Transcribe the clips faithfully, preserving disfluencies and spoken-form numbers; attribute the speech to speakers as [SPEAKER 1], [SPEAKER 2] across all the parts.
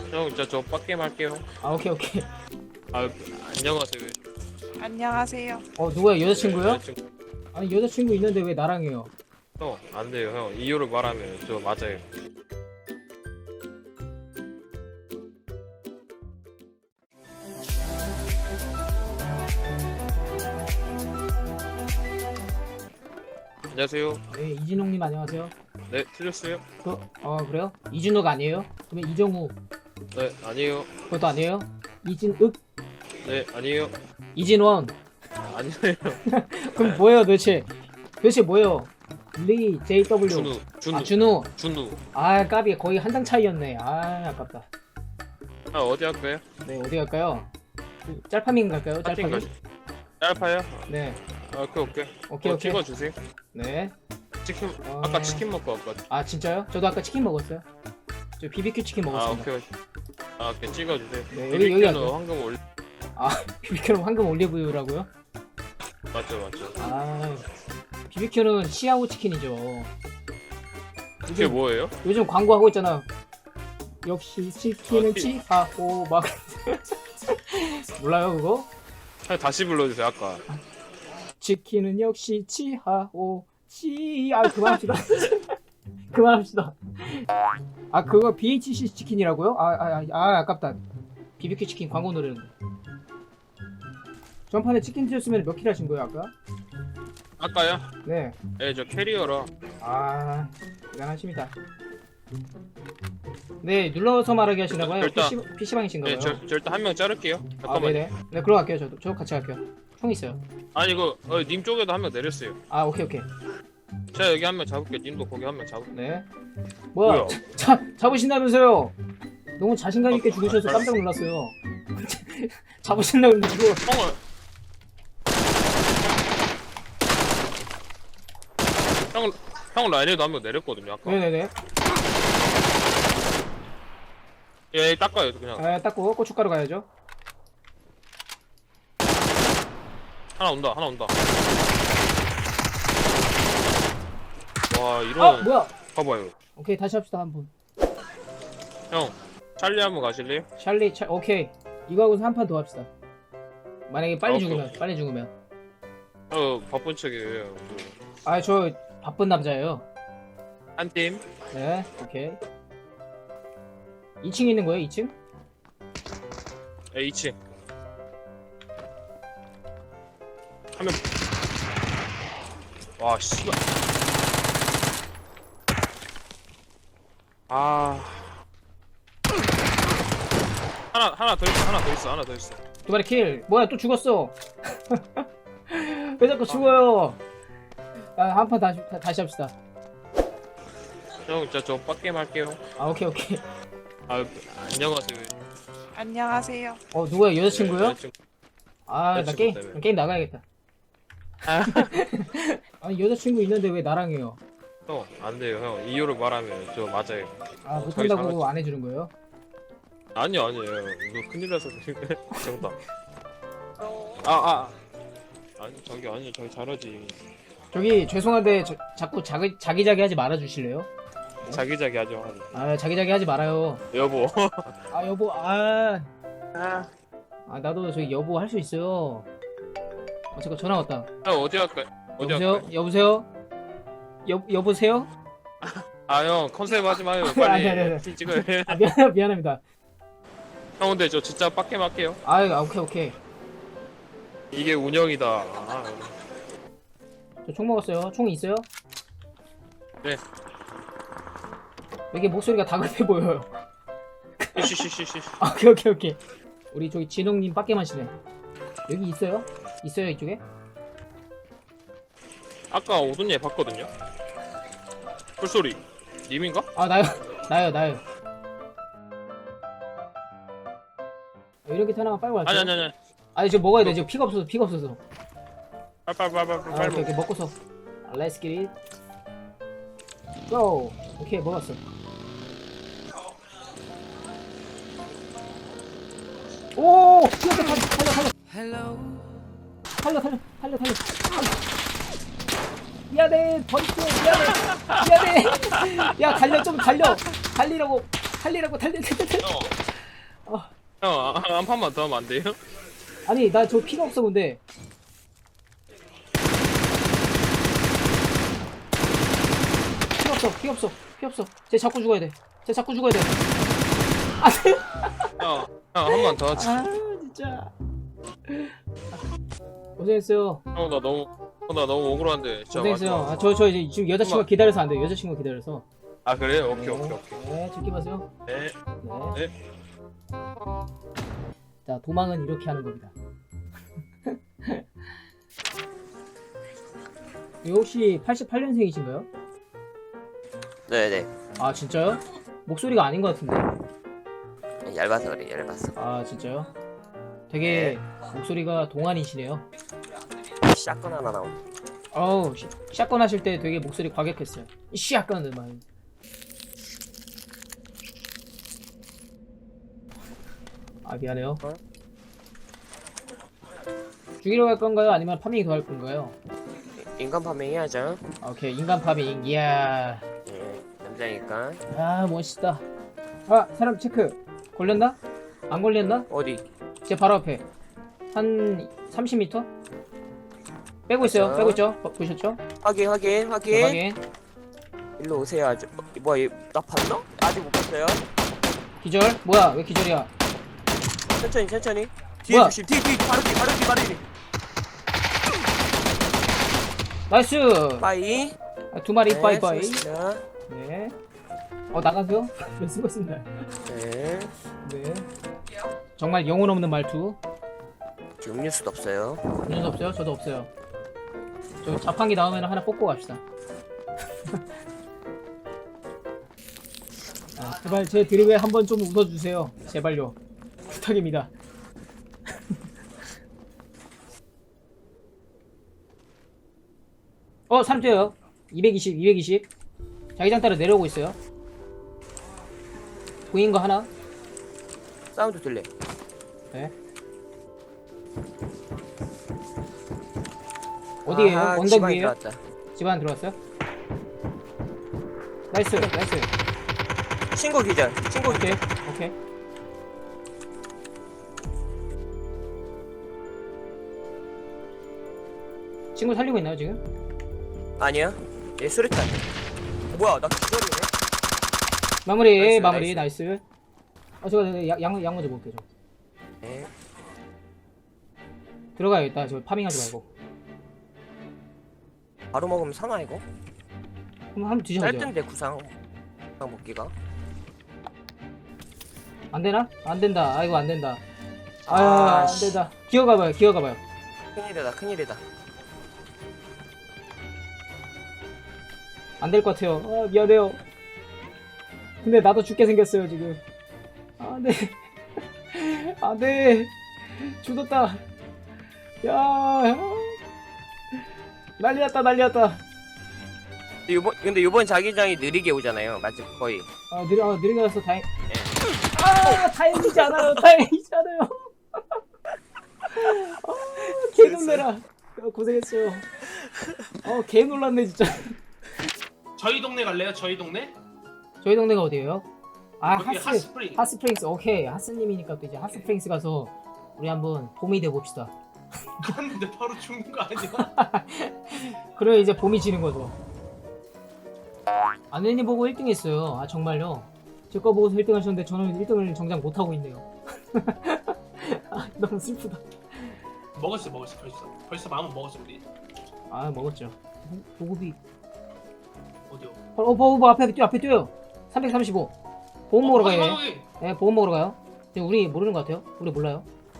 [SPEAKER 1] 형, 진짜 저 빡게임 할게요.
[SPEAKER 2] 아 오케이 오케이.
[SPEAKER 1] 아, 안녕하세요.
[SPEAKER 3] 안녕하세요.
[SPEAKER 2] 어 누구야, 여자친구요?
[SPEAKER 1] 여자친구.
[SPEAKER 2] 아니 여자친구 있는데 왜 나랑 해요?
[SPEAKER 1] 형, 안 돼요, 형. 이유를 말하면 저 맞아요. 안녕하세요.
[SPEAKER 2] 네, 이진홍님 안녕하세요.
[SPEAKER 1] 네, 틀렸어요?
[SPEAKER 2] 그, 어 그래요? 이준호가 아니에요? 그러면 이정우
[SPEAKER 1] 네, 아니에요.
[SPEAKER 2] 그것도 아니에요? 이진읍?
[SPEAKER 1] 네, 아니에요.
[SPEAKER 2] 이진원?
[SPEAKER 1] 아니에요.
[SPEAKER 2] 그럼 뭐예요 도대체? 도대체 뭐예요? 리, 제이더블유.
[SPEAKER 1] 준우, 준우,
[SPEAKER 2] 아 준우.
[SPEAKER 1] 준우.
[SPEAKER 2] 아 까비 거의 한 장 차이였네. 아 아깝다.
[SPEAKER 1] 아, 어디 할까요?
[SPEAKER 2] 네 어디 갈까요? 그, 짤파밍 갈까요?
[SPEAKER 1] 파팅
[SPEAKER 2] 짤파밍?
[SPEAKER 1] 가시. 짧아요?
[SPEAKER 2] 네.
[SPEAKER 1] 아, 오케이, 오케이.
[SPEAKER 2] 오케이
[SPEAKER 1] 어,
[SPEAKER 2] 오케이.
[SPEAKER 1] 찍어주세요.
[SPEAKER 2] 네.
[SPEAKER 1] 치킨,
[SPEAKER 2] 어.
[SPEAKER 1] 아까 치킨 먹고 왔거든.
[SPEAKER 2] 아 진짜요? 저도 아까 치킨 먹었어요. 저 비비큐 치킨
[SPEAKER 1] 아,
[SPEAKER 2] 먹었습니다.
[SPEAKER 1] 오케이. 아, 오케이, 찍어주세요.
[SPEAKER 2] 네, 여기, 여기
[SPEAKER 1] 비비큐는
[SPEAKER 2] 할게요.
[SPEAKER 1] 황금 올리.
[SPEAKER 2] 아 비비큐는 황금 올리브유라고요?
[SPEAKER 1] 맞죠, 맞죠.
[SPEAKER 2] 아 비비큐는 시아오 치킨이죠.
[SPEAKER 1] 그게
[SPEAKER 2] 요즘,
[SPEAKER 1] 뭐예요?
[SPEAKER 2] 요즘 광고 하고 있잖아. 역시 치킨은
[SPEAKER 1] 아, 치-
[SPEAKER 2] 치하오 막 몰라요 그거?
[SPEAKER 1] 아, 다시 불러주세요, 아까.
[SPEAKER 2] 치킨은 역시 치하오 치아 그만합시다. 그만합시다. 아 그거 비에이치씨 치킨이라고요? 아아 아, 아, 아깝다. 비비큐 치킨 광고 노래는. 전판에 치킨 드셨으면 몇 킬 하신 거예요 아까?
[SPEAKER 1] 아까요?
[SPEAKER 2] 네.
[SPEAKER 1] 네, 저 캐리어라.
[SPEAKER 2] 아 대단하십니다. 네 눌러서 말하게 하시나 봐요.
[SPEAKER 1] 일단-
[SPEAKER 2] 피씨, 피씨방이신가 봐요.
[SPEAKER 1] 네, 저, 저 일단 한 명 자를게요.
[SPEAKER 2] 아
[SPEAKER 1] 잠깐만요.
[SPEAKER 2] 네네. 네 그럼 갈게요. 저도 저 같이 갈게요. 총 있어요.
[SPEAKER 1] 아니, 이거, 어, 님 쪽에도 한 명 내렸어요.
[SPEAKER 2] 아 오케이 오케이.
[SPEAKER 1] 제가 여기 한 명 잡을게요. 님도 거기 한 명 잡을게요.
[SPEAKER 2] 네. 뭐야?
[SPEAKER 1] 뭐야?
[SPEAKER 2] 자, 잡으신다면서요? 너무 자신감 있게
[SPEAKER 1] 어,
[SPEAKER 2] 죽으셔서
[SPEAKER 1] 알-
[SPEAKER 2] 깜짝 놀랐어요. 잡으신다고 근데 이거
[SPEAKER 1] 형을. 형, 형 라인에도 한 명 내렸거든요, 아까.
[SPEAKER 2] 네네네.
[SPEAKER 1] 예, 닦아요, 그냥.
[SPEAKER 2] 아, 닦고 고춧가루 가야죠.
[SPEAKER 1] 하나 온다, 하나 온다. 와, 이런.
[SPEAKER 2] 아 뭐야?
[SPEAKER 1] 봐봐요.
[SPEAKER 2] 오케이 다시 합시다 한 분.
[SPEAKER 1] 형, 찰리 한번 가실래요?
[SPEAKER 2] 찰리 차 오케이 이거 하고 한 판 더 합시다. 만약에 빨리
[SPEAKER 1] 아,
[SPEAKER 2] 죽으면 빨리 죽으면.
[SPEAKER 1] 어, 바쁜 척이에요.
[SPEAKER 2] 아 저 바쁜 남자예요.
[SPEAKER 1] 한 팀.
[SPEAKER 2] 네 오케이. 이 층 있는 거예요 이 층?
[SPEAKER 1] 예, 이 층. 한 명. 와, 씨발. 아. 하나, 하나 더 있어, 하나 더 있어, 하나 더 있어.
[SPEAKER 2] 두 마리 킬. 뭐야 또 죽었어. 왜 자꾸 죽어요? 아 한 판 다시 다, 다시 합시다.
[SPEAKER 1] 형, 진짜 저 빡게임 할게요.
[SPEAKER 2] 아 오케이 오케이.
[SPEAKER 1] 아, 안녕하세요.
[SPEAKER 3] 안녕하세요.
[SPEAKER 2] 어 누구야 여자친구요?
[SPEAKER 1] 여자친구.
[SPEAKER 2] 아 나
[SPEAKER 1] 여자친구
[SPEAKER 2] 게임
[SPEAKER 1] 때문에.
[SPEAKER 2] 나 게임 나가야겠다.
[SPEAKER 1] 아.
[SPEAKER 2] 아니 여자친구 있는데 왜 나랑 해요?
[SPEAKER 1] 형, 안 돼요, 형. 이유를 말하면 저 맞아요.
[SPEAKER 2] 아
[SPEAKER 1] 어, 저희
[SPEAKER 2] 못한다고
[SPEAKER 1] 잘하지.
[SPEAKER 2] 안 해주는 거예요?
[SPEAKER 1] 아니요, 아니에요. 이거 큰일 나서. 정답. 아, 아. 아니, 저기, 아니, 저기 잘하지.
[SPEAKER 2] 저기 죄송한데 저, 자꾸 자기 자기자기 하지 말아 주실래요?
[SPEAKER 1] 자기자기 하죠. 하죠.
[SPEAKER 2] 아 자기자기 하지 말아요.
[SPEAKER 1] 여보.
[SPEAKER 2] 아 여보 아,
[SPEAKER 1] 아.
[SPEAKER 2] 아 나도 저기 여보 할 수 있어요. 어 잠깐 전화 왔다.
[SPEAKER 1] 형, 어디 할까요? 어디
[SPEAKER 2] 여보세요?
[SPEAKER 1] 할까요?
[SPEAKER 2] 여보세요? 여 여보세요?
[SPEAKER 1] 아, 형, 컨셉 하지 마요.
[SPEAKER 2] 아니,
[SPEAKER 1] 빨리.
[SPEAKER 2] 아니, 아니.
[SPEAKER 1] 티 찍어요.
[SPEAKER 2] 아 미안 미안합니다.
[SPEAKER 1] 형, 근데 저 진짜 빡게 할게요.
[SPEAKER 2] 아 아, 오케이 오케이.
[SPEAKER 1] 이게 운영이다. 아,
[SPEAKER 2] 저 총 먹었어요. 총 있어요?
[SPEAKER 1] 네.
[SPEAKER 2] 왜 이게 목소리가 다급해 보여요?
[SPEAKER 1] 쉬쉬쉬쉬.
[SPEAKER 2] 아, 오케이 오케이 오케이. 우리 저기 진홍님 빡게 마시네. 여기 있어요? 있어요 이쪽에?
[SPEAKER 1] 아까 오돈 얘 봤거든요. 풀소리. 님인가?
[SPEAKER 2] 아 나요 나요 나요. 아, 이렇게 하나만 빨고 갈게요.
[SPEAKER 1] 아니, 아니, 아니.
[SPEAKER 2] 아니 지금 먹어야 돼. 지금 피가 없어서 피가 없어서.
[SPEAKER 1] 빨빨빨빨
[SPEAKER 2] 아
[SPEAKER 1] 빨리
[SPEAKER 2] 오케이
[SPEAKER 1] 먹어.
[SPEAKER 2] 오케이 먹고서. 아, Let's get it. Go. 오케이 먹었어. 오! 뛰었다 달려 달려 달려.
[SPEAKER 3] Hello.
[SPEAKER 2] 달려 달려 달려 달려. 달려. 미안해 버리게 미안해 미안해. 야 달려 좀 달려. 달리라고 달리라고 달려 달려 달려.
[SPEAKER 1] 형, 형, 한 판만 더 하면 안 돼요?
[SPEAKER 2] 아니 나 저 피가 없어 근데. 피 없어 피 없어 피 없어. 쟤 자꾸 죽어야 돼. 쟤 자꾸 죽어야 돼. 안돼.
[SPEAKER 1] 형, 형, 한 번 더 하자.
[SPEAKER 2] 아 진짜. 고생했어요.
[SPEAKER 1] 형, 나 너무, 형, 나 너무 억울한데. 진짜
[SPEAKER 2] 고생했어요.
[SPEAKER 1] 마지막.
[SPEAKER 2] 아, 저, 저 이제 지금 여자친구가
[SPEAKER 1] 엄마.
[SPEAKER 2] 기다려서 안 돼요. 여자친구가 기다려서.
[SPEAKER 1] 아, 그래요? 오케이, 오케이, 오케이.
[SPEAKER 2] 네, 즐기 마세요.
[SPEAKER 1] 네.
[SPEAKER 2] 네.
[SPEAKER 1] 네.
[SPEAKER 2] 자, 도망은 이렇게 하는 겁니다. 혹시 팔십팔 년생이신가요?
[SPEAKER 4] 네네.
[SPEAKER 2] 아, 진짜요? 목소리가 아닌 것 같은데.
[SPEAKER 4] 얇아서 그래, 얇아서.
[SPEAKER 2] 아, 진짜요? 되게 목소리가 동안이시네요.
[SPEAKER 4] 샷건 하나 나온.
[SPEAKER 2] 어우, 시- 샷건 하실 때 되게 목소리 과격했어요. 이 샷건을 막. 아, 미안해요.
[SPEAKER 4] 어?
[SPEAKER 2] 죽이러 갈 건가요? 아니면 파밍이 더 할 건가요?
[SPEAKER 4] 인간 파밍 해야죠.
[SPEAKER 2] 아, 오케이, 인간 파밍. 이야.
[SPEAKER 4] 예, 남자니까.
[SPEAKER 2] 아, 멋있다. 아, 사람 체크. 걸렸나? 안 걸렸나?
[SPEAKER 4] 어디?
[SPEAKER 2] 제 바로 앞에. 한 삼십 미터? 빼고 있어요.
[SPEAKER 4] 맞아.
[SPEAKER 2] 빼고 있죠? 어, 보셨죠?
[SPEAKER 4] 확인, 확인, 확인.
[SPEAKER 2] 네, 확인.
[SPEAKER 4] 일로 오세요, 아주. 어, 뭐야, 얘, 나 봤나? 아직 못 봤어요.
[SPEAKER 2] 기절? 뭐야? 왜 기절이야?
[SPEAKER 4] 천천히, 천천히. 뒤에
[SPEAKER 2] 뭐야?
[SPEAKER 4] 조심, 뒤, 뒤, 바로 뒤, 바로 뒤, 바로 뒤.
[SPEAKER 2] 나이스!
[SPEAKER 4] 빠이.
[SPEAKER 2] 아, 두 마리
[SPEAKER 4] 네,
[SPEAKER 2] 빠이빠이.
[SPEAKER 4] 수고하셨습니다.
[SPEAKER 2] 네. 어, 나가세요? 네, 수고했습니다.
[SPEAKER 4] 네.
[SPEAKER 2] 네. 정말 영혼 없는 말투.
[SPEAKER 4] 지금 음료수도 없어요.
[SPEAKER 2] 문제도 없어요? 저도 없어요. 저 자판기 나오면 하나 뽑고 갑시다. 아, 제발 제 드립에 한번 좀 웃어주세요. 제발요. 부탁입니다. 어, 사람 뛰어요. 이백이십, 이백이십. 자기장 따라 내려오고 있어요. 보인 거 하나?
[SPEAKER 4] 사운드 들래.
[SPEAKER 2] 네. 어디에요?
[SPEAKER 4] 아하,
[SPEAKER 2] 언덕
[SPEAKER 4] 집안에
[SPEAKER 2] 위에요?
[SPEAKER 4] 들어왔다.
[SPEAKER 2] 집 안에 들어왔어요? 나이스, 나이스.
[SPEAKER 4] 친구 기절, 친구 기절.
[SPEAKER 2] 오케이, 오케이. 친구 살리고 있나요 지금?
[SPEAKER 4] 아니야. 얘 수류탄. 뭐야, 나 기절이네.
[SPEAKER 2] 마무리,
[SPEAKER 4] 나이스,
[SPEAKER 2] 마무리, 나이스. 어, 저거 양, 양, 양 먼저 먹을게요. 저.
[SPEAKER 4] 네.
[SPEAKER 2] 들어가야겠다. 저 파밍하지 말고.
[SPEAKER 4] 바로 먹으면 사나 이거?
[SPEAKER 2] 한번 한번 드셔보세요.
[SPEAKER 4] 짧던데 구상. 구상 먹기가.
[SPEAKER 2] 안 되나? 안 된다. 아이고 안 된다.
[SPEAKER 4] 아,
[SPEAKER 2] 아, 안
[SPEAKER 4] 씨.
[SPEAKER 2] 된다. 기어가봐요, 기어가봐요.
[SPEAKER 4] 큰일이다, 큰일이다.
[SPEAKER 2] 안 될 것 같아요. 아, 미안해요. 근데 나도 죽게 생겼어요 지금. 아, 네. 아, 네. 죽었다. 야, 난리났다, 난리났다.
[SPEAKER 4] 요번 근데 요번 자기장이 느리게 오잖아요. 맞죠? 거의.
[SPEAKER 2] 아, 느려, 아, 느리게 와서 다행. 아, 다행이지 않아요, 다행이지 않아요. 아, 개 놀래라. 아, 고생했어요. 어, 개 놀랐네 진짜.
[SPEAKER 5] 저희 동네 갈래요? 저희 동네?
[SPEAKER 2] 저희 동네가 어디예요? 아,
[SPEAKER 5] 여기
[SPEAKER 2] 하스,
[SPEAKER 5] 핫스프링.
[SPEAKER 2] 핫스프링스. 오케이, 하스님이니까 또 이제 핫스프링스 가서 우리 한번 봄이 돼 봅시다.
[SPEAKER 5] 갔는데 바로 죽는 거 아니야?
[SPEAKER 2] 그래 이제 봄이 지는 거죠. 아내님 보고 일 등 했어요. 아 정말요? 제 거 보고서 일 등 하셨는데 저는 일 등을 정작 못 하고 있네요. 아, 너무 슬프다.
[SPEAKER 5] 먹었어, 먹었어, 벌써. 벌써 마음은 먹었어 우리.
[SPEAKER 2] 아 먹었죠. 보- 보급이.
[SPEAKER 5] 어디요?
[SPEAKER 2] 어, 어 보급 앞에 뛰어, 앞에 뛰어요. 삼백삼십오. 보험 먹으러
[SPEAKER 5] 어, 거기,
[SPEAKER 2] 가요.
[SPEAKER 5] 거기.
[SPEAKER 2] 네, 보험 먹으러 가요. 지금 우리 모르는 것 같아요. 우리 몰라요.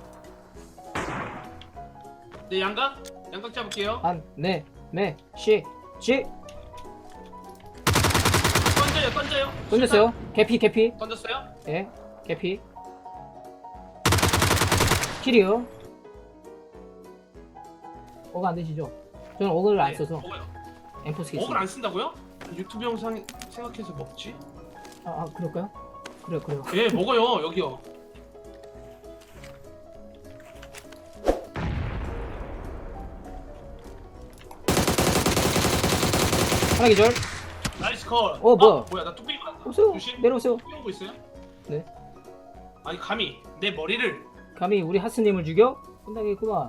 [SPEAKER 5] 네, 양각? 양각 잡을게요.
[SPEAKER 2] 한, 네, 네, 시, 시.
[SPEAKER 5] 던져요, 던져요.
[SPEAKER 2] 던졌어요. 개피, 개피.
[SPEAKER 5] 수류탄 던졌어요?
[SPEAKER 2] 예, 개피. 킬이요. 어가 안 되시죠? 저는 어그를 안
[SPEAKER 5] 네,
[SPEAKER 2] 써서
[SPEAKER 5] 먹어요.
[SPEAKER 2] 엠포스
[SPEAKER 5] 먹을
[SPEAKER 2] 있어요.
[SPEAKER 5] 안 쓴다고요? 유튜브 영상 생각해서 먹지?
[SPEAKER 2] 아, 아, 그럴까요? 그래요, 그래요.
[SPEAKER 5] 예, 먹어요. 여기요.
[SPEAKER 2] 하나 기절.
[SPEAKER 5] 나이스 콜.
[SPEAKER 2] 어, 뭐야?
[SPEAKER 5] 아, 뭐야? 나 뚝배기 맞았다.
[SPEAKER 2] 오세요.
[SPEAKER 5] 조심.
[SPEAKER 2] 내려오세요.
[SPEAKER 5] 뚝배기 오고 있어요? 아니 감히 내 머리를.
[SPEAKER 2] 감히 우리 하스님을 죽여? 혼나겠구만.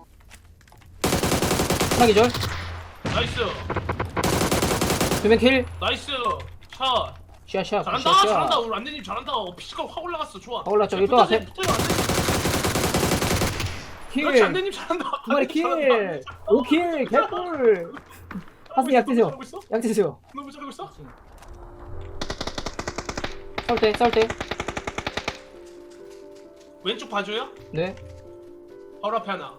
[SPEAKER 2] 하나 기절.
[SPEAKER 5] 나이스.
[SPEAKER 2] 두명 킬.
[SPEAKER 5] 나이스. 샷.
[SPEAKER 2] 샤샤.
[SPEAKER 5] 잘한다.
[SPEAKER 2] 샤샤.
[SPEAKER 5] 잘한다. 우리 안대님 잘한다. 어, 피지컬 확 올라갔어. 좋아.
[SPEAKER 2] 확 올라왔죠.
[SPEAKER 5] 야,
[SPEAKER 2] 여기 또
[SPEAKER 5] 붙어요,
[SPEAKER 2] 앞에.
[SPEAKER 5] 붙어요, 안대님.
[SPEAKER 2] 킬.
[SPEAKER 5] 그렇지 안대님 잘한다.
[SPEAKER 2] 두 마리
[SPEAKER 5] 안대님 잘한다.
[SPEAKER 2] 킬. 오 킬. 개꿀. 하스님 약 드세요.
[SPEAKER 5] 너무 잘하고 있어?
[SPEAKER 2] 약 드세요.
[SPEAKER 5] 너무 잘하고 있어?
[SPEAKER 2] 싸울 때, 싸울 때.
[SPEAKER 5] 왼쪽 봐줘요?
[SPEAKER 2] 네.
[SPEAKER 5] 바로 앞에 하나.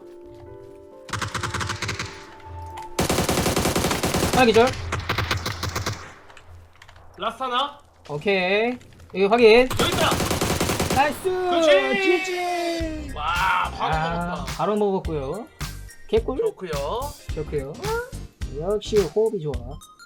[SPEAKER 2] 하나 기절.
[SPEAKER 5] 라스트 하나.
[SPEAKER 2] 오케이. 여기 확인.
[SPEAKER 5] 여기 있다.
[SPEAKER 2] 나이스.
[SPEAKER 5] 그렇지.
[SPEAKER 2] 지지.
[SPEAKER 5] 와 바로
[SPEAKER 2] 아,
[SPEAKER 5] 먹었다.
[SPEAKER 2] 바로 먹었고요. 개꿀.
[SPEAKER 4] 좋고요.
[SPEAKER 2] 좋고요. 역시 호흡이 좋아.